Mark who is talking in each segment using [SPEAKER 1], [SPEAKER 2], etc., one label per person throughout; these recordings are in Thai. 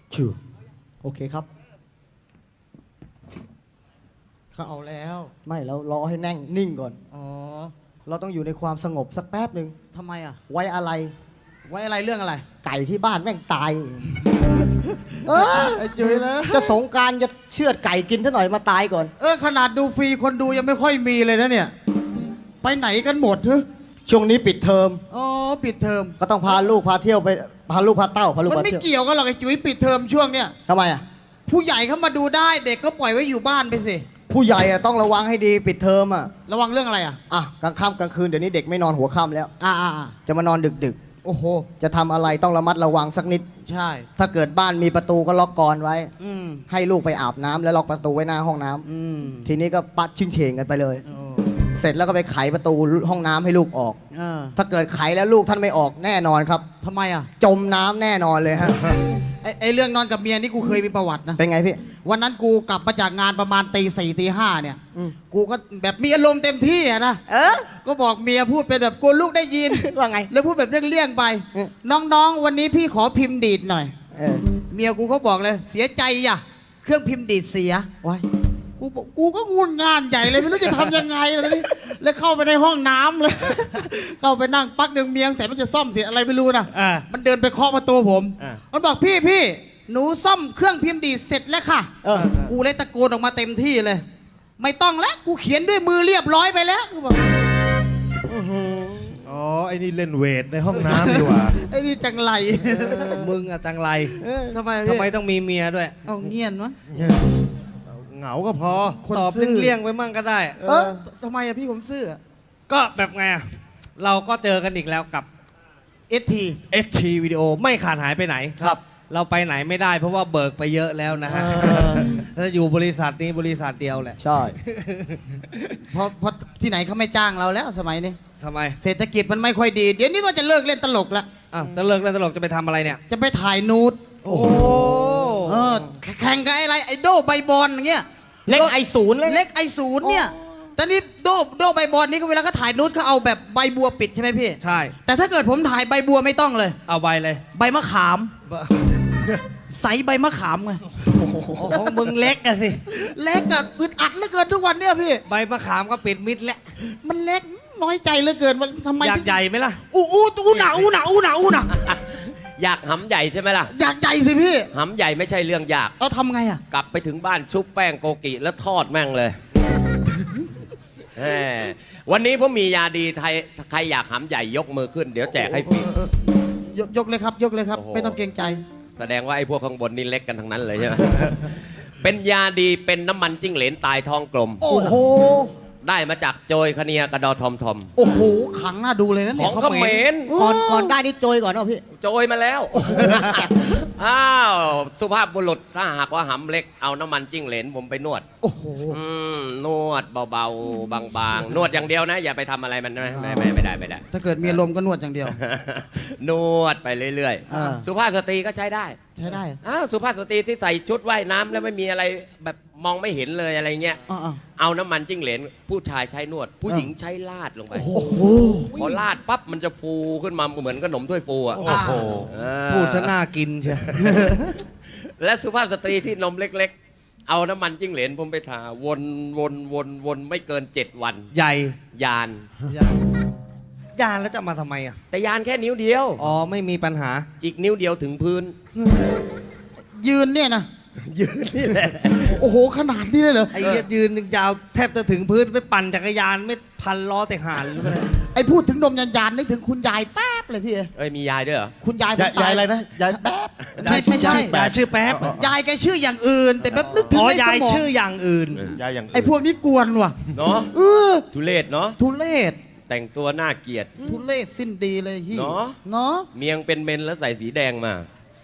[SPEAKER 1] ชูโอเคครับ
[SPEAKER 2] เขาเอาแล้ว
[SPEAKER 1] ไม่แล้วรอให้แน่งนิ่งก่อน
[SPEAKER 2] อ๋อ
[SPEAKER 1] เราต้องอยู่ในความสงบสักแป๊บหนึ่ง
[SPEAKER 2] ทำไมอ่ะ
[SPEAKER 1] ไว้อะไร
[SPEAKER 2] ไว้อะไรเรื่องอะไร
[SPEAKER 1] ไก่ที่บ้านแม่งตาย เออ
[SPEAKER 2] ไอ้จุ๋ยแล้ว
[SPEAKER 1] จะสงกรารจะเชือดไก่กินซะหน่อยมาตายก่อน
[SPEAKER 2] ขนาดดูฟรีคนดูยังไม่ค่อยมีเลยนะเนี่ย ไปไหนกันหมดเฮ้ย
[SPEAKER 1] ช่วงนี้ปิดเทอม
[SPEAKER 2] อ๋อปิดเทอม
[SPEAKER 1] ก็ต้องพาลูกพาเที่ยวไปพาลูกพาเต้าพาลูก
[SPEAKER 2] มัน
[SPEAKER 1] พา
[SPEAKER 2] ไม่
[SPEAKER 1] เที่ยว
[SPEAKER 2] เกี่ยวกันหรอกไอ้จุ๋ยปิดเทอมช่วงเนี้ย
[SPEAKER 1] ทำไมอ่ะ
[SPEAKER 2] ผู้ใหญ่เขามาดูได้เด็กก็ปล่อยไว้อยู่บ้านไปสิ
[SPEAKER 1] ผู้ใหญ่อะต้องระวังให้ดีปิดเทอมอ่ะ
[SPEAKER 2] ระวังเรื่องอะไรอ่ะ
[SPEAKER 1] อ่ะกลางค่ำกลางคืนเดี๋ยวนี้เด็กไม่นอนหัวค่ำแล้ว
[SPEAKER 2] อ่า
[SPEAKER 1] จะมานอนดึก
[SPEAKER 2] โอ้โห
[SPEAKER 1] ๆ จะทำอะไรต้องระมัดระวังสักนิด
[SPEAKER 2] ใช่
[SPEAKER 1] ถ้าเกิดบ้านมีประตูก็ล็อกกลอนไว้
[SPEAKER 2] อืม
[SPEAKER 1] ให้ลูกไปอาบน้ำแล้วล็อกประตูไว้หน้าห้องน้ำ
[SPEAKER 2] อืม
[SPEAKER 1] ทีนี้ก็ปัดชิงเฉงกันไปเลย
[SPEAKER 2] โอ้
[SPEAKER 1] เสร็จแล้วก็ไปไขประตูห้องน้ำให้ลูกออก
[SPEAKER 2] เออ
[SPEAKER 1] ถ้าเกิดไขแล้วลูกท่านไม่ออกแน่นอนครับ
[SPEAKER 2] ทำไมอ่ะ
[SPEAKER 1] จมน้ำแน่นอนเลยฮะ
[SPEAKER 2] ไอ้เรื่องนอนกับเมียนี่กูเคยมีประวัตินะ
[SPEAKER 1] เป็นไงพี่
[SPEAKER 2] วันนั้นกูกลับมาจากงานประมาณตีสี่ตีห้าเนี่ย
[SPEAKER 1] อืม
[SPEAKER 2] กูก็แบบมีอารมณ์เต็มที่อะนะ
[SPEAKER 1] เออ
[SPEAKER 2] ก็บอกเมียพูดเป็นแบบกลัวลูกได้ยิน
[SPEAKER 1] ว่าไง
[SPEAKER 2] แล้วพูดแบบเลี่ยงๆไป
[SPEAKER 1] อืม
[SPEAKER 2] น้องๆ วันนี้พี่ขอพิมพ์ดีดหน่อย
[SPEAKER 1] เออ
[SPEAKER 2] เมียกูเขาบอกเลย เสียใจอ่ะ เครื่องพิมพ์ดีดเสีย
[SPEAKER 1] ไว้
[SPEAKER 2] กูบอกกูก็งุนงานใหญ่เลยไม่รู้จะทำยังไงเลยแล้วเข้าไปในห้องน้ำเลย เข้าไปนั่งปักหนึ่งเมียงเสร็จมันจะซ่อมเสียอะไรไม่รู้นะ
[SPEAKER 3] อ่า
[SPEAKER 2] มันเดินไปเคาะประตูผม
[SPEAKER 3] อ่า
[SPEAKER 2] มันบอกพี่หนูซ่อมเครื่องพิมพ์ดีดเสร็จแล้วค่ะ
[SPEAKER 1] เออ
[SPEAKER 2] กูเลยตะโกนออกมาเต็มที่เลย ไม่ต้องแล้วกูเขียนด้วยมือเรียบร้อยไปแล้วกูบอก
[SPEAKER 3] อ๋อ ไอ้นี่เล่นเวทในห้องน้ำดีกว่า
[SPEAKER 2] ไอ้นี่จังไร
[SPEAKER 4] มึงอะจังไร
[SPEAKER 2] ทำไม
[SPEAKER 4] ทำไมต้องมีเมียด้วย
[SPEAKER 2] เอาเงียนวะ
[SPEAKER 3] เหงาก็พอ
[SPEAKER 2] คน
[SPEAKER 4] ตอบ
[SPEAKER 2] ซื่อ
[SPEAKER 4] เลี่ยงๆไปมั่งก็ได้
[SPEAKER 2] ทำไมอะพี่ผมซื่อ
[SPEAKER 4] ก็แบบไงอะเราก็เจอกันอีกแล้วกับ
[SPEAKER 2] เอสที
[SPEAKER 4] ST วิดีโอไม่ขาดหายไปไหน
[SPEAKER 2] ครับ
[SPEAKER 4] เราไปไหนไม่ได้เพราะว่าเบิกไปเยอะแล้วนะฮะถ้าอยู่บริษัทนี้บริษัทเดียวแหละ
[SPEAKER 1] ใช่
[SPEAKER 2] เพราะที่ไหนเขาไม่จ้างเราแล้วสมัยนี้
[SPEAKER 4] ทำไม
[SPEAKER 2] เศรษฐกิจมันไม่ค่อยดี เดี๋ยวนี้ว่าจะเลิกเล่นตลกแล้ว
[SPEAKER 4] อ้าวจะเลิกเล่นตลกจะไปทำอะไรเนี่ย
[SPEAKER 2] จะไปถ่ายนูด
[SPEAKER 4] โอ้โห
[SPEAKER 2] แข่งกับอะไรไอโดใบบอลอย่างเงี้ย
[SPEAKER 1] เล็กไอศูนย์เลย
[SPEAKER 2] เล็กไอศูนย์เนี่ยแต่นี่โดใบบอลนี่ก็เวลาก็ถ่ายนูดเขาเอาแบบใบบัวปิดใช่ไหมพี่
[SPEAKER 4] ใช่
[SPEAKER 2] แต่ถ้าเกิดผมถ่ายใบบัวไม่ต้องเลย
[SPEAKER 4] เอาใบเลย
[SPEAKER 2] ใบมะขาม ใสใบมะขามไง
[SPEAKER 4] โอ้ของมึงเล็กอะสิ
[SPEAKER 2] เล็กอะอึดอัดเหลือเกินทุกวันเนี่ยพี่
[SPEAKER 4] ใบมะขามก็ปิดมิดแล้ว
[SPEAKER 2] มันเล็กน้อยใจเหลือเกินว่าทำไม
[SPEAKER 4] อยากใหญ่ไหมล่ะ
[SPEAKER 2] อู้หนา
[SPEAKER 5] อยากหำใหญ่ใช่ไหมล่ะ
[SPEAKER 2] อยากใหญ่สิพี่
[SPEAKER 5] หำใหญ่ไม่ใช่เรื่องยาก
[SPEAKER 2] เอาทำไงอะ
[SPEAKER 5] กลับไปถึงบ้านชุบแป้งโกกิแล้วทอดแม่งเลยแหมวันนี้ผมมียาดีไทยใครอยากหำใหญ่ยกมือขึ้น เดี๋ยวแจกให้ฟรี
[SPEAKER 2] ยกเลยครับ ยกเลยครับ
[SPEAKER 5] โอ้โห
[SPEAKER 2] ไม่ต้องเกรงใจ
[SPEAKER 5] แสดงว่าไอ้พวกข้างบนนี่เล็กกันทั้งนั้นเลยใช่ไหม เป็นยาดีเป็นน้ำมันจิ้งเหลนตายท้องกลม
[SPEAKER 2] โอ้โห
[SPEAKER 5] ได้มาจากโจยคเนียกระดอทอมทอม
[SPEAKER 2] โอ้โห ขังหน้าดูเลยนะ
[SPEAKER 5] ข
[SPEAKER 2] เนี่
[SPEAKER 5] อย งเขมร
[SPEAKER 1] ก่อนได้นี่โจยก่อนเนาะพี่
[SPEAKER 5] โจยมาแล้ว อ้าวสุภาพบุรุษถ้าหากว่าหำเล็กเอาน้ำมันจิ้งเหลนผมไปนวด
[SPEAKER 2] โอ้โห
[SPEAKER 5] นวดเบาๆ บางๆ นวดอย่างเดียวนะ อย่าไปทำอะไรมันนะไม่ได้
[SPEAKER 2] ถ้าเกิดมีอารมณ์ก็นวดอย่างเดียว
[SPEAKER 5] นวดไปเรื่อย
[SPEAKER 2] อ่า
[SPEAKER 5] ๆ สุภาพสตรีก็ใช้ได้
[SPEAKER 2] ใช้ได้
[SPEAKER 5] อ้าวสุภาพสตรีที่ใส่ชุดว่ายน้ำแล้วไม่มีอะไรแบบมองไม่เห็นเลยอะไรเงี้ย
[SPEAKER 2] อ่า
[SPEAKER 5] เอาน้ำมันจิ้งเหลนผู้ชายใช้นวด ผู้หญิงใช้ลาดลงไป
[SPEAKER 2] โอ้โห
[SPEAKER 5] พอลาดปั๊บมันจะฟูขึ้นมาเหมือนขนมถ้วยฟูอ่ะ
[SPEAKER 4] โอ้โห
[SPEAKER 5] อ่า
[SPEAKER 4] พูดซะน่ากินเชียว
[SPEAKER 5] และสุภาพสตรีที่นมเล็กๆ เอาน้ำมันจิ้งเหลนผมไปทาวนไม่เกิน 7 วัน
[SPEAKER 4] ใหญ่
[SPEAKER 5] ยาน
[SPEAKER 4] ยานแล้วจะมาทำไมอ่ะ
[SPEAKER 5] แต่ยานแค่นิ้วเดียว
[SPEAKER 4] อ๋อไม่มีปัญหา
[SPEAKER 5] อีกนิ้วเดียวถึงพื้น
[SPEAKER 2] ยืนเนี่ยนะ
[SPEAKER 5] ยืนนี่แหละ
[SPEAKER 2] โอ้โห ขนาดนี้เลยเหรอ
[SPEAKER 4] ไอ้เหี้ยยืนยาวแทบจะถึงพื้นไปปั่นจักรยานไม่พันล้อแต่หานหรือเปล่า
[SPEAKER 2] ไอ้พูดถึงนมยานนึกถึงคุณยายแป๊บเลยพี่
[SPEAKER 5] เอ้ยมียายด้วยเหรอ
[SPEAKER 2] คุณยายผม
[SPEAKER 3] ยายอะไรนะ ยายแป๊บ
[SPEAKER 2] ไม่ใช่
[SPEAKER 4] ยายชื่อแป๊บ
[SPEAKER 2] ยายแกชื่ออย่างอื่น แต่แบบนึกถึง
[SPEAKER 4] อ๋อ
[SPEAKER 2] ในส
[SPEAKER 4] ยาย
[SPEAKER 2] มอง
[SPEAKER 4] ชื่ออย่างอื่น
[SPEAKER 3] ยายอย่างอื่น
[SPEAKER 2] ไอ้พวกนี้กวนว่ะ
[SPEAKER 5] เนาะ
[SPEAKER 2] เออ
[SPEAKER 5] ทุเรศเนาะ
[SPEAKER 2] ทุเรศ
[SPEAKER 5] แต่งตัวน่าเกลียด
[SPEAKER 2] ทุเรศสิ้นดีเลยฮี่
[SPEAKER 5] เนอะ
[SPEAKER 2] เนาะ
[SPEAKER 5] เมียงเป็นเมนแล้วใส่สีแดงมา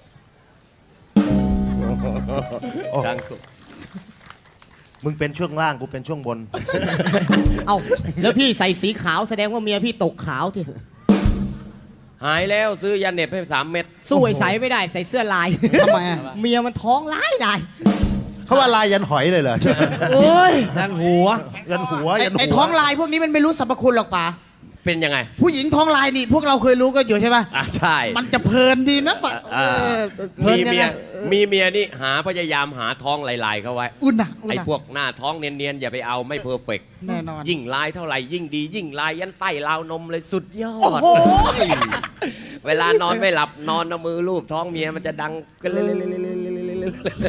[SPEAKER 5] ดังสุด
[SPEAKER 3] มึงเป็นช่วงล่างกูเป็นช่วงบน
[SPEAKER 1] เอ้าแล้วพี่ใส่สีขาวแสดงว่าเมียพี่ตกขาวที
[SPEAKER 5] หายแล้วซื้อยาเหน็บให้3 เม็ด
[SPEAKER 1] สู้ไอ้ใส่ไม่ได้ใส่เสื้อลาย
[SPEAKER 2] ทำไมอ่ะ
[SPEAKER 1] เมียมันท้องร้ายได้
[SPEAKER 3] เขาว่าลายยันหอยเลยเหรอ
[SPEAKER 2] โอ้ย
[SPEAKER 4] ด้านหัว
[SPEAKER 3] ยันหัวยันหัว
[SPEAKER 2] ไอ้ท้องลายพวกนี้มันไม่รู้สรรพคุณหรอกป่า
[SPEAKER 5] เป็นยังไง
[SPEAKER 2] ผู้หญิงท้องลายนี่พวกเราเคยรู้กันอยู่ใช่ป่ะ
[SPEAKER 5] อ่ะใช่
[SPEAKER 2] มันจะเพลินดีนะป่ะ
[SPEAKER 5] อ่า
[SPEAKER 2] เพลิน
[SPEAKER 5] มี
[SPEAKER 2] ยัง
[SPEAKER 5] เมี
[SPEAKER 2] ไง
[SPEAKER 5] ยมีเมียนี่พยายามหาท้องลายๆเขาไว้
[SPEAKER 2] อุ่นนะ
[SPEAKER 5] ไอ้พวกหน้าท้องเนียนๆอย่าไปเอาไม่เพอร์เฟกต์
[SPEAKER 2] แน่นอน
[SPEAKER 5] ยิ่งลายเท่าไหร่ยิ่งดี ยิ่งลายยันใต้ราวนมเลยสุดยอ
[SPEAKER 2] โอ้
[SPEAKER 5] ด
[SPEAKER 2] โห
[SPEAKER 5] เวลานอนไม่หลับนอนเอามือลูบท้องเมียมันจะดังกลืด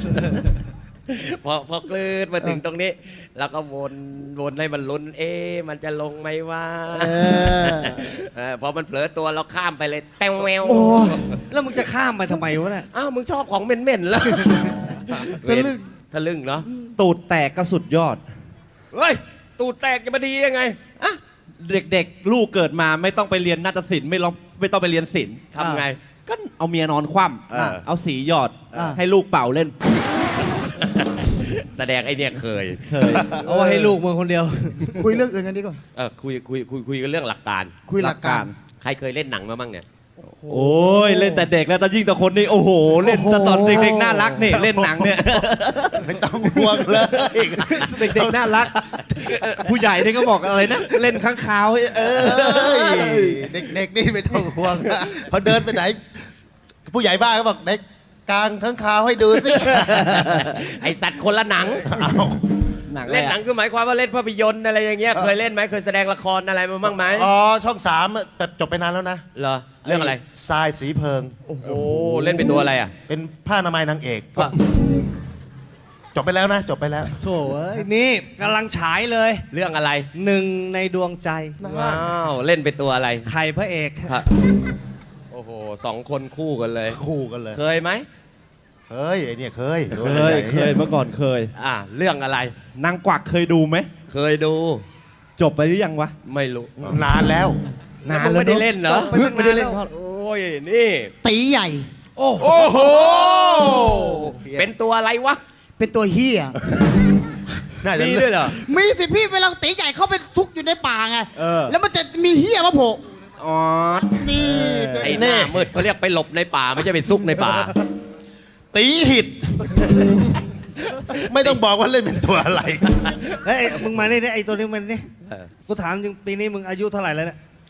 [SPEAKER 5] พอกลืดมาถึงตรงนี้ แล้วก็วนให้มันลุ้นมันจะลงไหมว่าพอมันเผลอตัวเราข้ามไปเลยแตงแวว
[SPEAKER 2] โอ้
[SPEAKER 4] แล้วมึงจะข้ามไปทำไมวะเนี่ย
[SPEAKER 5] อ้าวมึงชอบของเหม็นๆแล้ว
[SPEAKER 2] ทะลึ่ง
[SPEAKER 5] ทะลึ่งเนาะ
[SPEAKER 6] ตูดแตกก็สุดยอด
[SPEAKER 5] เฮ้ยตูดแตกจะมาดียังไง
[SPEAKER 6] เด็กๆ ลูกเกิดมาไม่ต้องไปเรียนนาฏศิลป์ไม่ต้องไปเรียนศิลป์
[SPEAKER 5] ทำไง
[SPEAKER 6] ก็เอาเมียนอนคว่
[SPEAKER 5] เออ
[SPEAKER 6] ำเอาสีหยอด
[SPEAKER 2] อ่า
[SPEAKER 6] ให้ลูกเป่าเล่น
[SPEAKER 5] แสดงไอ้เนี่ยเคย
[SPEAKER 6] เคย
[SPEAKER 4] เอาไว้ให้ลูกมึงคนเดียว
[SPEAKER 2] คุยเรื่องอื่นกันดีกว่า
[SPEAKER 5] คุยกันเรื่องหลักการ
[SPEAKER 2] คุยหลักการ
[SPEAKER 5] ใครเคยเล่นหนังมาบ้างเนี่ย
[SPEAKER 6] โอ้ยเล่นแต่เด็กแล้วแต่ยิ่งแต่คนนี่โอ้โห เล่นแต่ตอนเด็กๆน่ารักนี่เล่นหนังเนี่ย
[SPEAKER 3] ไม่ต้องห่วงเลย
[SPEAKER 6] เด็กๆน่ารัก ผู้ใหญ่นี่ก็บอกอะไรนะ เล่นข้างคาว
[SPEAKER 3] เด็กๆนี่ไม่ต้องห่วงนะพอเดินไปไหน ผู้ใหญ่บ้านก็บอกเด็กกลางทั้งคาวให้ดูสิ
[SPEAKER 5] ไอสัตว์คนละหนัง
[SPEAKER 6] หนัง
[SPEAKER 5] เล่นหนังคือหมายความว่าเล่นภาพยนตร์อะไรอย่างเงี้ยเคยเล่นไหมเคยแสดงละครอะไรมาบ้างไหม
[SPEAKER 3] อ๋อช่อง3แต่จบไปนานแล้วนะ
[SPEAKER 5] เหรอเรื่องอะไร
[SPEAKER 3] ทรายสีเพิง
[SPEAKER 5] โอ้โหเล่นเป็นตัวอะไรอ่ะ
[SPEAKER 3] เป็นผ้าอนามัยนางเอก
[SPEAKER 5] ก็
[SPEAKER 3] จบไปแล้วนะ จบไปแล้ว
[SPEAKER 4] โถ่เอ้ยนี่กำลังฉายเลย
[SPEAKER 5] เรื่องอะไร
[SPEAKER 4] หนึ่งในดวงใจ
[SPEAKER 5] ว้าวเล่นเป็นตัวอะไร
[SPEAKER 4] ใครพระเอก
[SPEAKER 5] ครับโอ้โห2 คนคู่กันเลย
[SPEAKER 3] คู่กันเลย
[SPEAKER 5] เคยไหม
[SPEAKER 3] เฮ้ยไอเนี่ยเคย
[SPEAKER 6] เคยเมื่อก่อนเคย
[SPEAKER 5] เรื่องอะไร
[SPEAKER 6] นางกวักเคยดูไหม
[SPEAKER 5] เคยดู
[SPEAKER 6] จบไปหรือยังวะ
[SPEAKER 5] ไม่รู้
[SPEAKER 3] นานแล้ว
[SPEAKER 6] นาน
[SPEAKER 5] มึง
[SPEAKER 6] แล้ว
[SPEAKER 5] ไม่ได้เล่นเหรอ
[SPEAKER 4] ไปตั้งนานแล้ว
[SPEAKER 5] โอ้ยนี่
[SPEAKER 2] ตีใหญ่
[SPEAKER 4] โอ้โห
[SPEAKER 5] โอ้โหเป็นตัวอะไรวะ
[SPEAKER 2] เป็นตัวเฮีย
[SPEAKER 3] น่าจะ
[SPEAKER 5] มีด้วยเหรอ
[SPEAKER 2] มีสิพี่เวลาตีใหญ่เข้าไปซุกอยู่ในป่าไง
[SPEAKER 6] เออ
[SPEAKER 2] แล้วมันจะมีเฮียมาโผล่
[SPEAKER 6] อ๋อ
[SPEAKER 2] นี่
[SPEAKER 5] ไอ้หน้ามืดเขาเรียกไปหลบในป่าไม่ใช่ไปซุกในป่า
[SPEAKER 3] ตีหิด ไม่ต้องบอกว่าเล่นเป็นตัวอะไร
[SPEAKER 4] เฮ้ยมึงมานี่ไอ้ตัวนี้มันนี่
[SPEAKER 5] เออ
[SPEAKER 4] กูถามจริงปีนี้มึงอายุเท่าไหร่แล้วเนี่ย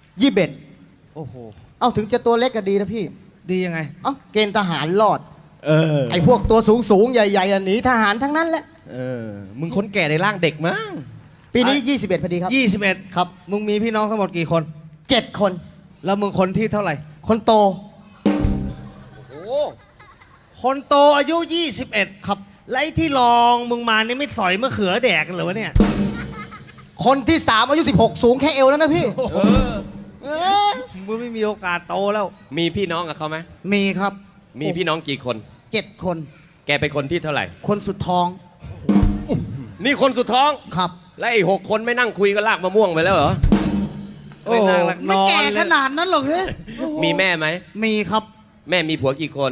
[SPEAKER 2] 21
[SPEAKER 4] โอ้โห
[SPEAKER 2] เอ้าถึงจะตัวเล็กก็ดีนะพี่
[SPEAKER 4] ดียังไง
[SPEAKER 2] เอ้าเกณฑ์ทหารรอด
[SPEAKER 6] เออ
[SPEAKER 2] ไอ้พวกตัวสูงใหญ่ๆหนีทหารทั้งนั้นแหละ
[SPEAKER 6] เออ มึงคนแก่ในร่างเด็กมั้ง
[SPEAKER 2] ปีนี้ 21พอดีครับ
[SPEAKER 4] 21
[SPEAKER 2] ครับ
[SPEAKER 4] มึงมีพี่น้องทั้งหมดกี่คน
[SPEAKER 2] 7 คน
[SPEAKER 4] แล้วมึงคนที่เท่าไหร่
[SPEAKER 2] คนโต
[SPEAKER 5] โอ้
[SPEAKER 4] คนโตอายุ 21
[SPEAKER 2] ครับ
[SPEAKER 4] แล้วไอ้ที่รองมึงมานี่ไม่สอยมะเขือแดกกันเหรอวะเนี่ย
[SPEAKER 2] คนที่ 3 อายุ 16 สูงแค่เอวแล้วนะพี่เออ
[SPEAKER 4] มึงไม่มีโอกาสโตแล้ว
[SPEAKER 5] มีพี่น้องกับเขาไหม
[SPEAKER 2] มีครับ
[SPEAKER 5] มีพี่น้องกี่คน
[SPEAKER 2] 7 คน
[SPEAKER 5] แกเป็นคนที่เท่าไหร่
[SPEAKER 2] คนสุดท้อง
[SPEAKER 5] นี่คนสุดท้อง
[SPEAKER 2] ครับ
[SPEAKER 5] และไอ้6 คนไม่นั่งคุยก็ลากมะม่วงไปแล้วเหรอ
[SPEAKER 4] ไม่นั่งหลักน
[SPEAKER 2] ไม่
[SPEAKER 4] อน
[SPEAKER 2] แก่
[SPEAKER 4] เล
[SPEAKER 2] ข
[SPEAKER 4] ย
[SPEAKER 2] นาดนั้นหรอกเฮ้ย
[SPEAKER 5] มีแม่ไหม
[SPEAKER 2] มีครับ
[SPEAKER 5] แม่มีผัวกี่คน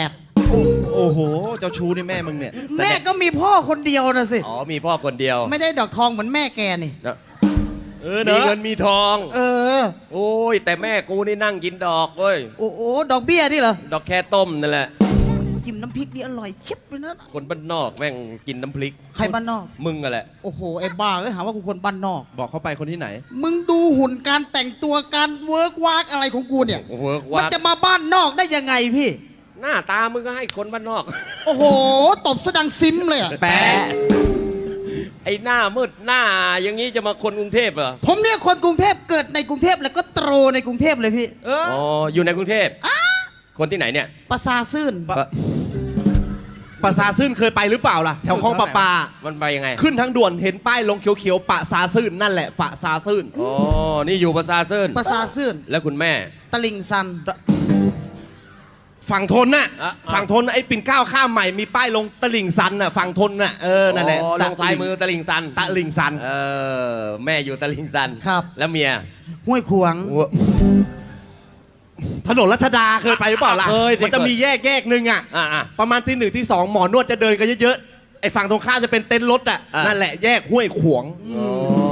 [SPEAKER 2] 8
[SPEAKER 6] โอ้โห เจ้าชู้นี่แม่มึงเนี่ย
[SPEAKER 2] แม่ก็มีพ่อคนเดียวนะสิ
[SPEAKER 5] อ๋อมีพ่อคนเดียว
[SPEAKER 2] ไม่ได้ดอกทองเหมือนแม่แกนี่
[SPEAKER 6] เออ
[SPEAKER 5] มี
[SPEAKER 6] เนาะ
[SPEAKER 5] เงินมีทอง
[SPEAKER 2] เออ
[SPEAKER 5] โอ้ยแต่แม่กูนี่นั่งกินดอกเว้ย
[SPEAKER 2] โอ้โหดอกเบี้ยนี่เหรอ
[SPEAKER 5] ดอกแค่ต้มนั่นแหละ
[SPEAKER 2] จิ้มน้ำพริกนี่อร่อยเชิบเลยนะ
[SPEAKER 5] คนบ้านนอกแม่งกินน้ำพริก
[SPEAKER 2] ใครบ้านนอก
[SPEAKER 5] มึงอะแหละ
[SPEAKER 2] โอ้โหไอ้บ้าเอ้ยหาว่ากูคนบ้านนอก
[SPEAKER 6] บอกเขาไปคนที่ไหน
[SPEAKER 2] มึงดูหุ่นการแต่งตัวการเวิร์กวากอะไรของกูเนี่ย
[SPEAKER 5] โอ้โห
[SPEAKER 2] มัน
[SPEAKER 5] ว่า
[SPEAKER 2] จะมาบ้านนอกได้ยังไงพี่
[SPEAKER 5] หน้าตามึงก็ให้คนบ้านนอก
[SPEAKER 2] โอ้โห ตบสะดังซิมเลยอะ
[SPEAKER 6] แปะ
[SPEAKER 5] ไอ้หน้ามืดหน้าอย่างนี้จะมาคนกรุงเทพเหรอ
[SPEAKER 2] ผมเนี่ยคนกรุงเทพเกิดในกรุงเทพแล้วก็โตในกรุงเทพเลยพี่
[SPEAKER 6] เออ
[SPEAKER 5] อ๋ออยู่ในกรุงเทพคนที่ไหนเนี่ย
[SPEAKER 2] ประสาซื่น
[SPEAKER 6] ปะสาซื่นเคยไปหรือเปล่าล่ะ แถวคลองปลาปา
[SPEAKER 5] มันไปยังไง
[SPEAKER 6] ขึ้นทางด่วนเห็นป้ายลงเขียวๆปะสาซื่นนั่นแหละปะสาซื่น
[SPEAKER 5] อ๋อ นี่อยู่ประสาเซิน
[SPEAKER 2] ประสาซื่น
[SPEAKER 5] แล้วคุณแม่
[SPEAKER 2] ตลิ่งซัน
[SPEAKER 6] ฝั่งทนน่ะ
[SPEAKER 5] อ่ะ
[SPEAKER 6] ฝั่งทนไอ้ปิ่นเกล้าข้ามใหม่มีป้ายลงตลิ่งซันน่ะฝั่งทนน่ะเออนั่นแหละ
[SPEAKER 5] อ๋อลงซ้ายมือตลิงซัน
[SPEAKER 6] ตะลิ่งซัน
[SPEAKER 5] เออ แม่อยู่ตลิงซัน
[SPEAKER 2] ครับ
[SPEAKER 5] แล้วเมีย
[SPEAKER 2] ห้วยขวาง
[SPEAKER 6] ถนนรัชดาเคยไปหรือเปล่าล่ะ
[SPEAKER 5] เคยสิ
[SPEAKER 6] มันจะมีแยกหนึ่งอ่ะ
[SPEAKER 5] อ่ะ
[SPEAKER 6] ประมาณที่1ที่2หมอนวดจะเดินกันเยอะๆไอ้ฝั่งตรงข้ามจะเป็นเต็นท์รถอ่ะ
[SPEAKER 5] อ่ะ
[SPEAKER 6] นั่นแหละแยกห้วยขวง
[SPEAKER 5] อ๋อ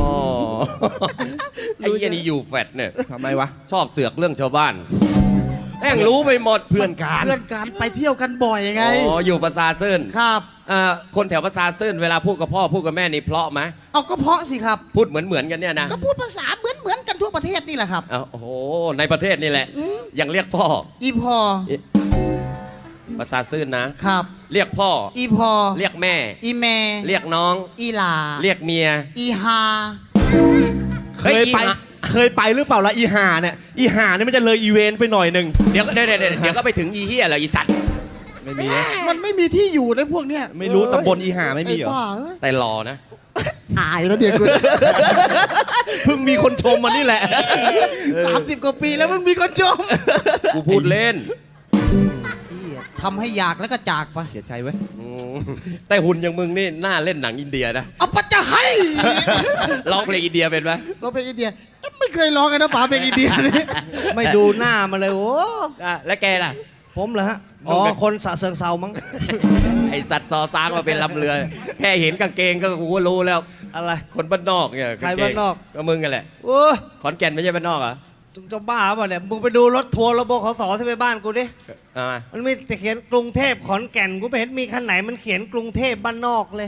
[SPEAKER 5] ไอ้เหี้ยนี่อยู่แฟดเนี่ย
[SPEAKER 6] ทำไมวะ
[SPEAKER 5] ชอบเสือกเรื่องชาวบ้านแม่งรู้ไปหมด
[SPEAKER 6] เพื่อนกัน
[SPEAKER 2] เพื่อนกันไปเที่ยวกันบ่อยไง
[SPEAKER 5] อ๋อ อยู่ประสาเซิน
[SPEAKER 2] ครับ
[SPEAKER 5] คนแถวประสาเซินเวลาพูดกับพ่อพูดกับแม่นี่เพราะไหม
[SPEAKER 2] เอาก็เพราะสิครับ
[SPEAKER 5] พูดเหมือนกันเนี่ยนะ
[SPEAKER 2] ก็พูดภาษาเหมือนกันทั่วประเทศนี่แหละครับ
[SPEAKER 5] อ้าวโอ้โห ในประเทศนี่แหละ ยังเรียกพ่อ
[SPEAKER 2] อีพอ
[SPEAKER 5] ประสาทซื่นนะ
[SPEAKER 2] ครับ
[SPEAKER 5] เรียกพ่อ
[SPEAKER 2] อีพอ
[SPEAKER 5] เรียกแม่
[SPEAKER 2] อีแม่
[SPEAKER 5] เรียกน้อง
[SPEAKER 2] อีหลา
[SPEAKER 5] เรียกเมีย
[SPEAKER 2] อีฮา
[SPEAKER 6] เคยไป เคยไปหรือเปล่าละอีห่าเนี่ยอีห่าเนี่ยมันจะเลยอีเวนต์ไปหน่อยหนึ่ง
[SPEAKER 5] เดี๋ยวก็ไปถึงอีเหี้ยเหรออีสัตว์
[SPEAKER 6] ไม่มีนะ
[SPEAKER 2] มันไม่มีที่อยู่ในพวกเนี้ย
[SPEAKER 6] ไม่รู้ตำบลอีห่าไม่มีเหรอ
[SPEAKER 2] ไอ้บ้าเอ้ย
[SPEAKER 5] แต่หล่อนะ
[SPEAKER 2] อายแล้วเดี๋ยวกู
[SPEAKER 6] เพิ่งมีคนชมมานี่แหละ
[SPEAKER 2] 30 กว่าปีแล้วมึงมีคนชม
[SPEAKER 5] กูพูดเล่น
[SPEAKER 2] ทำให้อยากแล้วก็จากไป
[SPEAKER 6] เสียใจเว้ย
[SPEAKER 5] อืมแต่หุ่นอย่างมึงนี่น่าเล่นหนังอินเดียนะ
[SPEAKER 2] เอาปะจะให้
[SPEAKER 5] ร้องเพลงอินเดียเป็นไหม
[SPEAKER 2] เราเป็นอินเดียไม่เคยร้องกันนะป๋าเป็นอินเดียนี่
[SPEAKER 4] ไม่ดูหน้ามาเลยโอ้
[SPEAKER 5] แล้วแกล่ะ
[SPEAKER 4] ผมเหรอฮะ อ๋อ คนสะเซิงเซามั้ง
[SPEAKER 5] ไอสัตว์ซอซางมาเป็นลำเรือ แค่เห็นกางเกงก็กูก็รู้แล้ว
[SPEAKER 4] อะไร
[SPEAKER 5] คนบ้านนอกเนี่ย
[SPEAKER 4] ใครบ้านนอก
[SPEAKER 5] ก็มึงกันแหละ
[SPEAKER 4] โอ้ย
[SPEAKER 5] ขอนแก่นไม่ใช่บ้านนอกเหรอ
[SPEAKER 4] จะบ้าเปล่าเนี่ย มึงไปดูรถทัวร์ระบบขสที่ไปบ้านกูดิ
[SPEAKER 5] เอามา
[SPEAKER 4] มันมีแต่เขียนกรุงเทพขอนแก่น กูไม่เห็นมีคันไหนมันเขียนกรุงเทพบ้านนอกเลย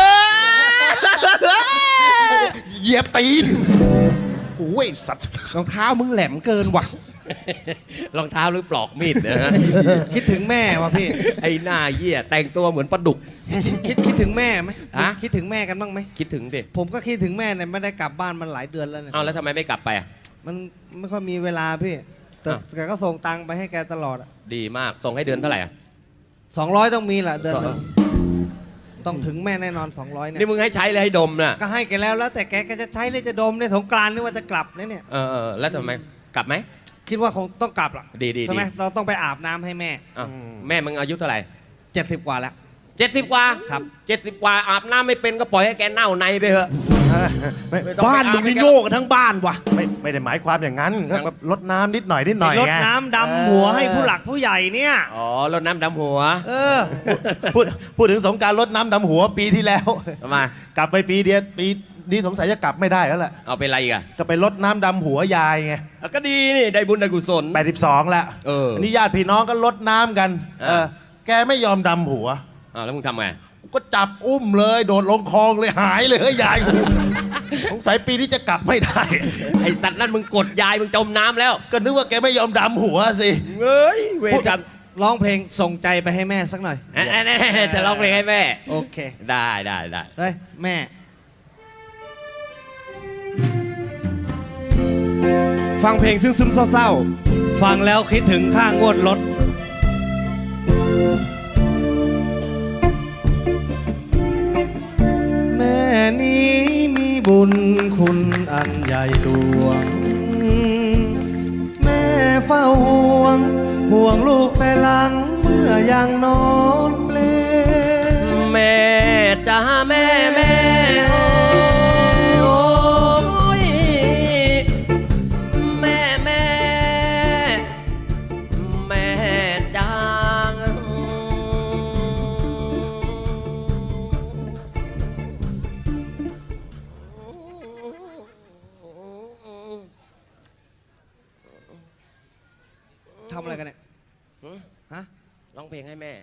[SPEAKER 3] เหยียบตีนโอ้ยสัตว์
[SPEAKER 6] รองเท้ามึงแหลมเกินว่ะ
[SPEAKER 5] รองเท้าหรือปลอกมีดนะฮะ
[SPEAKER 4] คิดถึงแม่วะพี่
[SPEAKER 5] ไอ้หน้าเหี้ยแต่งตัวเหมือนปลาดุก
[SPEAKER 4] คิดถึงแม่ไหม
[SPEAKER 5] ฮะ
[SPEAKER 4] คิดถึงแม่กันบ้างไหม
[SPEAKER 5] คิดถึงดิ
[SPEAKER 4] ผมก็คิดถึงแม่เนี่ยไม่ได้กลับบ้านมันหลายเดือนแล้วเนี่ย
[SPEAKER 5] เอาแล้วทำไมไม่กลับไปอ่ะ
[SPEAKER 4] มันไม่ค่อยมีเวลาพี่ แต่
[SPEAKER 5] อ้าว
[SPEAKER 4] แกก็ส่งตังค์ไปให้แกตลอดอะ
[SPEAKER 5] ดีมากส่งให้เดือนเท่าไหร่อ่ะ
[SPEAKER 4] 200 ต้องมีแหละเดือนหนึ่ง
[SPEAKER 5] 200
[SPEAKER 4] ต้องถึงแม่แน่นอน 200เนี่ย
[SPEAKER 5] นี่มึงให้ใช้เลยให้ดมน่ะ
[SPEAKER 4] ก็ให้แกแล้วแต่แกจะใช้หรือจะดมในสงกรานต์หรือว่าจะกลับเนี่ย
[SPEAKER 5] แล้วทำไมกลับไหม
[SPEAKER 4] คิดว่าคงต้องกลับล่ะ
[SPEAKER 5] ดี
[SPEAKER 4] ใช่ไหมเราต้องไปอาบน้ำให้แม่
[SPEAKER 5] อ้าวแม่มึงอายุเท่าไหร่
[SPEAKER 4] 70 กว่าแล้ว
[SPEAKER 5] 70 กว่า
[SPEAKER 4] ครับ
[SPEAKER 5] 70 กว่าอาบน้ำไม่เป็นก็ปล่อยให้แกเน่าในไปเถอะ ไม่ต้องไป
[SPEAKER 6] บ้านมึงนี่โง่กันทั้งบ้านว่ะ
[SPEAKER 3] ไม่ได้หมายความอย่างนั้นก็แบบลดน้ำนิดหน่อยไง
[SPEAKER 4] รดน้ำดำหัวให้ผู้หลักผู้ใหญ่เนี่ย
[SPEAKER 5] อ๋อรดน้ำดำหัว
[SPEAKER 4] เออ
[SPEAKER 3] พูดถึงสงกรารลดน้ำดำหัวปีที่แล้ว
[SPEAKER 5] ทำไม
[SPEAKER 3] กลับไปปีเดียวปีนี้สงสัยจะกลับไม่ได้แล้วแหละ
[SPEAKER 5] เอาเป็นไรอีกอ่ะ
[SPEAKER 3] จะไปลดน้ำดำหัวยายไง
[SPEAKER 5] ก็ดีนี่ได้บุญได้กุศล
[SPEAKER 3] 82แล้ว
[SPEAKER 5] เอออั
[SPEAKER 3] นนี้ญาติพี่น้องก็ลดน้ำกัน
[SPEAKER 5] อ่า
[SPEAKER 3] แกไม่ยอมดำหัว
[SPEAKER 5] อ้าวแล้วมึงทำไง
[SPEAKER 3] ก็จับอุ้มเลยโดดลงคลองเลยหายเลยยายกูสงสัยปีนี้จะกลับไม่ได้
[SPEAKER 5] ไอสัตว์นั่นมึงกดยายมึงจมน้ำแล้ว
[SPEAKER 3] ก็นึกว่าแกไม่ยอมดำหัวสิ
[SPEAKER 5] เฮ้ยเวรกรรม
[SPEAKER 4] ร้องเพลงส่งใจไปให้แม่สักหน่อย
[SPEAKER 5] จะร้องเพลงให้แม่
[SPEAKER 4] โอเค
[SPEAKER 5] ได้
[SPEAKER 4] เฮ้ย แม่
[SPEAKER 6] ฟังเพลงซึมๆเศร้า
[SPEAKER 4] ฟังแล้วคิดถึงค่างวดรถ แม่นี้มีบุญคุณอันใหญ่หลวง แม่เฝ้าห่วงลูกแต่หลังเมื่อยังนอนเปล
[SPEAKER 5] แม่จ้าแม่โอ้ยแม่จ้า
[SPEAKER 4] ทำอะไรกันเนี่ย ฮะ
[SPEAKER 5] ร้องเพลงให้แม่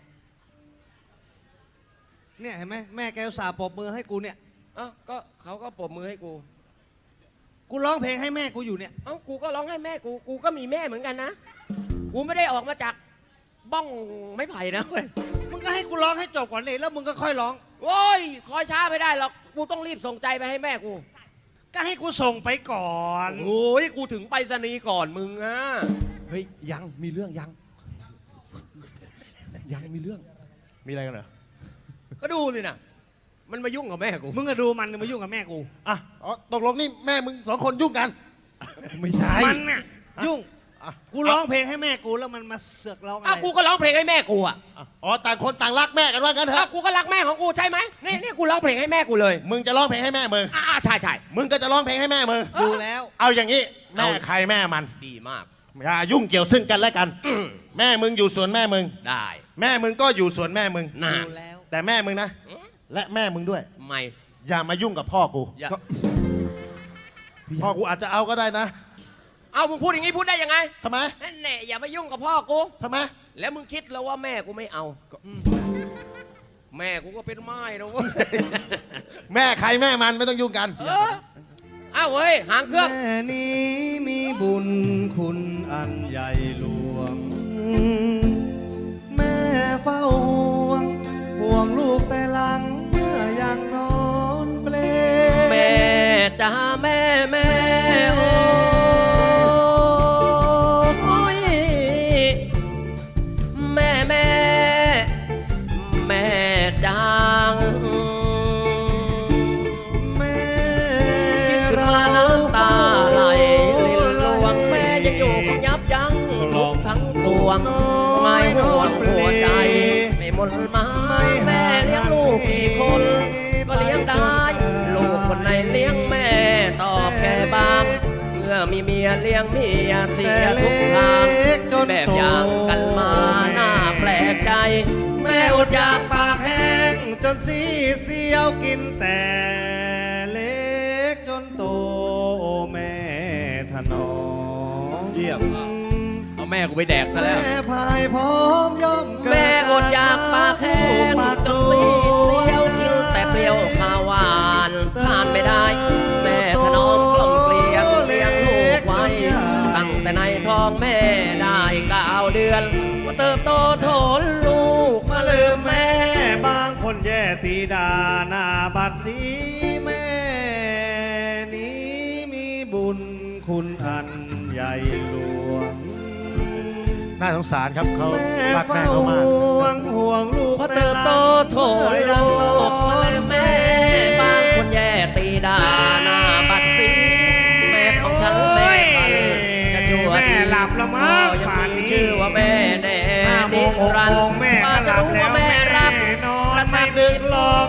[SPEAKER 4] เนี่ยเห็นไหมแม่แกอุตส่าห์ปรบมือให้กูเนี่ย
[SPEAKER 5] เอ้าก็เขาก็ปรบมือให้กู
[SPEAKER 4] กูร้องเพลงให้แม่กูอยู่เนี่ย
[SPEAKER 5] เอ้ากูก็ร้องให้แม่กูก็มีแม่เหมือนกันนะ กูไม่ได้ออกมาจากบ้องไม้ไผ่นะเว้ย
[SPEAKER 4] มึงก็ให้กูร้องให้จบก่อนเลยแล้วมึงก็ค่อยร้อง
[SPEAKER 5] โอ้ยคอยช้าไม่ได้หรอก กูต้องรีบส่งใจไปให้แม่กู
[SPEAKER 4] ก็ให้กูส่งไปก่อน
[SPEAKER 5] โอ้ยกูถึงไปรษณีย์ก่อนมึงอะ
[SPEAKER 6] ๆ เฮ้ยยังมีเรื่องยังมีเรื่อง
[SPEAKER 3] มีอะไรกันเหรอ
[SPEAKER 5] ก็ดูสินะมันมายุ่งกับแม่กู
[SPEAKER 4] มึงก็ดูมันมายุ่งกับแม่กู
[SPEAKER 3] อ่ะอ๋อตกลงนี่แม่มึงสองคนยุ่งกัน
[SPEAKER 6] ไม่ใช่
[SPEAKER 4] มันเนี่ยยุ่ง
[SPEAKER 3] อ่ะ
[SPEAKER 4] กูร้องเพลงให้แม่กูแล้วมันมาเสือกร้องอะไร
[SPEAKER 5] อ้าวกูก็ร้องเพลงให้แม่กูอะ
[SPEAKER 3] อ๋อต่างคนต่างรักแม่กันว่างั้นเถ
[SPEAKER 5] อ้าว
[SPEAKER 3] อะ
[SPEAKER 5] กูก็รักแม่ของกูใช่ไหมนี่กูร้องเพลงให้แม่กูเลย
[SPEAKER 3] มึงจะร้องเพลงให้แม่มึง
[SPEAKER 5] ใช่
[SPEAKER 3] มึงก็จะร้องเพลงให้แม่มึง
[SPEAKER 4] ดูแล้ว
[SPEAKER 3] เอาอย่างนี้แม่ใครแม่มัน
[SPEAKER 5] ดีมาก
[SPEAKER 3] อย่ายุ่งเกี่ยวซึ่งกันและกัน แม่มึงอยู่ส่วนแม่มึง
[SPEAKER 5] ได้
[SPEAKER 3] แม่มึงก็อยู่ส่วนแม่มึง
[SPEAKER 5] น่า
[SPEAKER 4] ดูแล้ว
[SPEAKER 3] แต่แม่มึงนะ และแม่มึงด้วย
[SPEAKER 5] ไม่
[SPEAKER 3] อย่ามายุ่งกับพ่อกู
[SPEAKER 5] อย่า
[SPEAKER 3] พ่อกูอาจจะเอาก็ได้นะ
[SPEAKER 5] เอามึงพูดอย่างนี้พูดได้ยังไง
[SPEAKER 3] ทำไม
[SPEAKER 5] นั่นแหละอย่ามายุ่งกับพ่อกู
[SPEAKER 3] ทำไม
[SPEAKER 5] แล้วมึงคิดแล้วว่าแม่กูไม่เอา แม่กูก็เป็นไม้นะเว้ย
[SPEAKER 3] แม่ใครแม่มันไม่ต้องยุ่งกัน
[SPEAKER 5] อ้าวเว้ยหางเครื่อง
[SPEAKER 4] แม่นี้มีบุญคุณอันใหญ่หลวง แม่เฝ้าห่วงลูกแต่หลังเมื่อยังนอนเปล
[SPEAKER 5] แม่จ้าแม่แม่โอ้ยแม่แม่แม่จาง
[SPEAKER 4] แม่
[SPEAKER 5] คิดขึ้นมาน้ำตาไหลลินลวงแม่ยังอยู่คงยับยั้งลูกทั้งปวงไม่ห่วงหัวใจไม่หมดหมายแม่เลี้ยงลูกกี่คนก็เลี้ยงได้ ลูกคนไหนเลี้ยงแม่ตอบแค่บางเมื่อมีเมียเลี้ยงเมียเสียทุกทางแบบอย่างกันมาหน้าแปลกใจ แม่อดอยากปากแห้ง
[SPEAKER 4] จนสีเสียวกินแต่เล็กจนโตแม่ถนอม
[SPEAKER 5] เยี่ยม เอาแม่กูไปแดกซะแล้ว
[SPEAKER 4] แม่พายพร้อมย่อมเกิด
[SPEAKER 5] แม่อดอยากปากแห้งจนสีเสียวกินแต่เปรี้ยวข้าวหวานทานไม่ได้ แม่ถนอมกล่อมเกลียงเลี้ยงลูกไว้ ตั้งแต่ในท้องแม่ได้9 เดือนว่าเติบโตโถนลูก
[SPEAKER 4] มาลืมแม่บางคนแย่ตีดาหน้าบัดสีแม่นี้มีบุญคุณอันใหญ่หลวง
[SPEAKER 3] น่าสงสารครับเขา
[SPEAKER 4] แม่
[SPEAKER 3] รักแม่
[SPEAKER 4] เฝ้า
[SPEAKER 3] เขามาก
[SPEAKER 4] ห่วงลูก
[SPEAKER 5] พอเติบโตโถนลูกมาเลยแม่บางคนแย่ตีดาหน้าบัดสีแม่ของฉันแม่พันจะชั่ว
[SPEAKER 4] แม่หลับแล้วมั้ง
[SPEAKER 5] ยัง
[SPEAKER 4] ป่าน
[SPEAKER 5] มี
[SPEAKER 4] นี้
[SPEAKER 5] ชื่อว่าแม่แน่
[SPEAKER 4] 5 โมง 6 โมงแม่ก็หลับแล้ว
[SPEAKER 5] แม่รัก
[SPEAKER 4] นอนไม่ดึกหรอก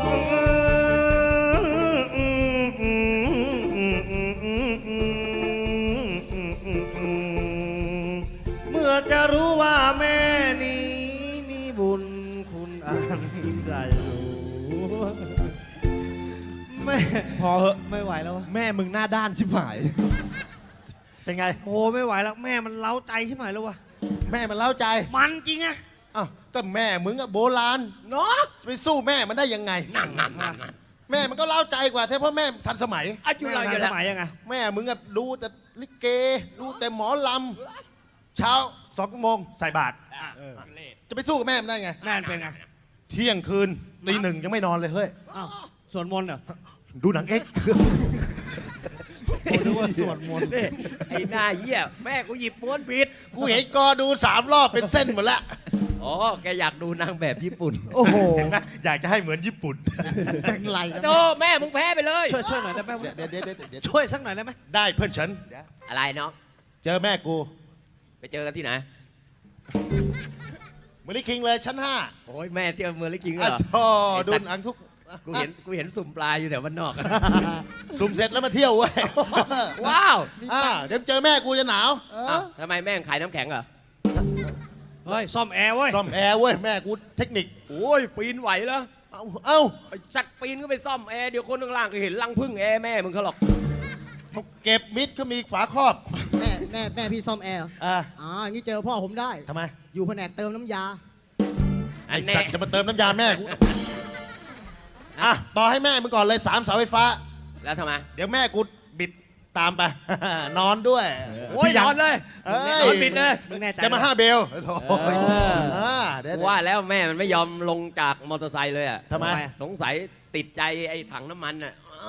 [SPEAKER 4] เมื่อจะรู้ว่าแม่นี้มีบุญคุณอันใหญ่หลวงแม่
[SPEAKER 6] พอเหอะ
[SPEAKER 4] ไม่ไหวแล้ววะ
[SPEAKER 6] แม่มึงหน้าด้านชิบหาย
[SPEAKER 3] เป็นไง
[SPEAKER 4] โอ้ไม่ไหวแล้วแม่มันเล้าใจขึ้นมาแล้ววะ
[SPEAKER 3] แม่มันเล่าใจ
[SPEAKER 4] มันจริงอะ
[SPEAKER 3] อ้าวก็แม่มึงอะโบราณ
[SPEAKER 5] เนาะ
[SPEAKER 3] จะไปสู้แม่มันได้ยังไง
[SPEAKER 5] นั่น
[SPEAKER 3] แม่มันก็เล่าใจกว่าเพราะแม่ทันสมัย
[SPEAKER 5] อายุ
[SPEAKER 4] แม่
[SPEAKER 5] เรา
[SPEAKER 4] มัน
[SPEAKER 5] อยู่
[SPEAKER 4] ส
[SPEAKER 5] แล้ว
[SPEAKER 4] มัยยังไง
[SPEAKER 3] แม่มึงอะดูแต่ลิเก ดูแต่หมอลำเช้า2 โมงใส่บาตรจะไปสู้กับแม่มันได้ไง
[SPEAKER 4] แม่มันเป็นไง
[SPEAKER 3] เที่ยงคืนตี 1ยังไม่นอนเลยเฮ้ย
[SPEAKER 4] อ้าวสวดมนต์เหรอ
[SPEAKER 3] ดูหนังเอ็กซ์
[SPEAKER 4] ผมนึกว่าสวดมนต์
[SPEAKER 5] ไอ้หน้าเหี้ยแม่กูหยิบม้วนผิด
[SPEAKER 3] กูเห็นกอดู3 รอบเป็นเส้นหมดแล้ว
[SPEAKER 5] อ๋อแกอยากดูนางแบบญี่ปุ่น
[SPEAKER 4] โอ้โห
[SPEAKER 3] เห็นไหมอยากจะให้เหมือนญี่ปุ่น
[SPEAKER 2] จังไรนะ
[SPEAKER 5] โจแม่มึงแพ้ไปเลย
[SPEAKER 4] ช่วยหน่อยได้ไหม
[SPEAKER 3] เดี๋ยว
[SPEAKER 4] ช่วยสักหน่อยได้ไหม
[SPEAKER 3] ได้เพื่อนฉัน
[SPEAKER 5] อะไรเนาะ
[SPEAKER 3] เจอแม่กู
[SPEAKER 5] ไปเจอกันที่ไหน
[SPEAKER 3] เมลิคิงเลยชั้น 5
[SPEAKER 5] โอ้ยแม่เที่ยวเมืองลิกิงเหร
[SPEAKER 3] อ่ะ
[SPEAKER 5] อ
[SPEAKER 3] ท่อดูหนังทุก
[SPEAKER 5] กูเห็นสุ่มปลาอยู่แถวบ้านนอก
[SPEAKER 3] สุ่มเสร็จแล้วมาเที่ยวเว้ย
[SPEAKER 5] ว้าว
[SPEAKER 3] เดี๋ยวเจอแม่กูจะหนาว
[SPEAKER 5] อ้าวทำไมแม่งขายน้ำแข็งเหรอ
[SPEAKER 4] เฮ้ยซ่อมแอร์เว้ย
[SPEAKER 3] ซ่อมแอร์เว้ยแม่กูเทคนิค
[SPEAKER 5] โอ้ยปีนไหวเหรอ
[SPEAKER 3] เอ้า
[SPEAKER 5] ไอ้สัตว์ปีนก็ไปซ่อมแอร์เดี๋ยวคนข้างล่างก็เห็นรังพึ่งแอร์แม่มึงเขาหรอก
[SPEAKER 3] เก็บมิดก็มีฝาครอบ
[SPEAKER 2] แม่พี่ซ่อมแอร์เหรอ
[SPEAKER 3] อ่า
[SPEAKER 2] อ๋ออย่างนี้เจอพ่อผมได้
[SPEAKER 3] ทำไม
[SPEAKER 2] อยู่แผนกเติมน้ำยา
[SPEAKER 3] ไอสัตว์จะมาเติมน้ำยาแม่กูต่อให้แม่มึงก่อนเลย3 เสาไฟฟ้า
[SPEAKER 5] แล้วทำไม
[SPEAKER 3] เดี๋ยวแม่กูบิดตามไป นอนด้วย
[SPEAKER 5] โอ้ยนอนเลย
[SPEAKER 3] เอ้ย
[SPEAKER 5] นอนปิดเลย
[SPEAKER 4] มึงแน่ใจ
[SPEAKER 3] จะมา 5 เบลโอ้ยเดี๋ยว
[SPEAKER 5] ว่าแล้วแม่มันไม่ยอมลงจากมอเตอร์ไซค์เลยอ่ะ
[SPEAKER 3] ทำไม
[SPEAKER 5] สงสัยติดใจไอ้ถังน้ำมันอ่ะ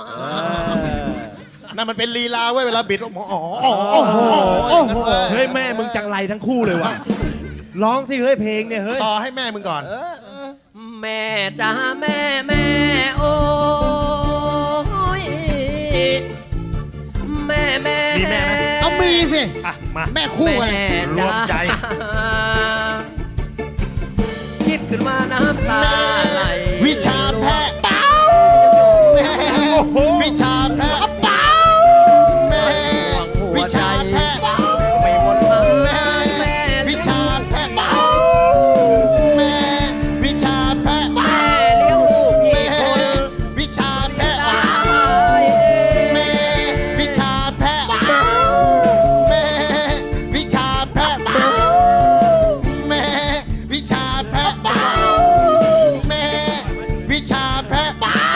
[SPEAKER 3] นั่นมันเป็นลีลาเว้ยเวลาบิดอ๋อ
[SPEAKER 6] เฮ้ยแม่มึงจังไรทั้งคู่เลยว่ะ ร้องสิเฮ้ยเพลงเนี่ยเฮ้ย
[SPEAKER 3] ต่อให้แม่มึงก่อน
[SPEAKER 5] แม่จ้าแม่แม่โอ้ยแม่แม่
[SPEAKER 3] มีแม่ไหม
[SPEAKER 2] เอามีสิ
[SPEAKER 3] อ่ะมา
[SPEAKER 2] แม่คู่กันเลย
[SPEAKER 3] รวมใจ
[SPEAKER 5] คิดขึ้นมาน้ำตาไหล
[SPEAKER 3] วิชาแพทย์เป้าวิชาแพทย์เป้าแม่วิชาแพทย์
[SPEAKER 5] ไม่หมดมา
[SPEAKER 3] แม่วิชาแพทย์เป้าแม่วิชาแพทย์
[SPEAKER 5] แม่เลี้ยงลูก
[SPEAKER 3] แม่
[SPEAKER 5] กี่คน
[SPEAKER 3] วิชาแพทย์
[SPEAKER 5] ตาย
[SPEAKER 3] แม่วิชาแพทย์แม่วิชาแพทย์แม่วิชาแพทย์แม่วิชาแพทย์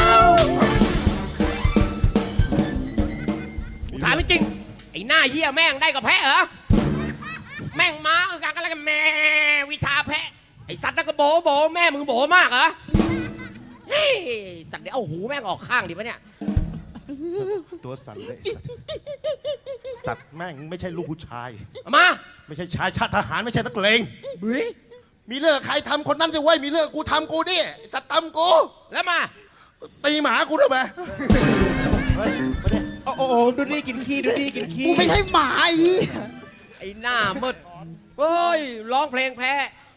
[SPEAKER 5] ถามจริงไอ้หน้าเหี้ยแม่งได้กับแพะเหรอแม่งมาคือการกันแล้วกันแม่วิชาแพะอ้สัตว์นั่นก็โบโบแม่มึงโบมากเหรอเฮ้ยสัตว์เดี๋ยวเอาหูแม่งออกข้างดิปะเนี่ย
[SPEAKER 3] ตัวสั่นเลยไอ้สัตว์แม่งไม่ใช่ลูกผู้ชาย
[SPEAKER 5] เอามา
[SPEAKER 3] ไม่ใช่ชายชาติทหารไม่ใช่นักเลง
[SPEAKER 5] เฮ้ย
[SPEAKER 3] มีเรื่องใครทำคนนั้นจะไว้ยมีเรื่องกูทำกูดิจะตำกู
[SPEAKER 5] แล้วมา
[SPEAKER 3] ตีหมากูทำไม
[SPEAKER 6] โอ้โหดูดิกินขี้ดูดิกินขี้
[SPEAKER 2] กูไม่ใช่หมาไอ้เหี้ย
[SPEAKER 5] ไอ้หน้ามืดเฮ้ยร้องเพลงแพ้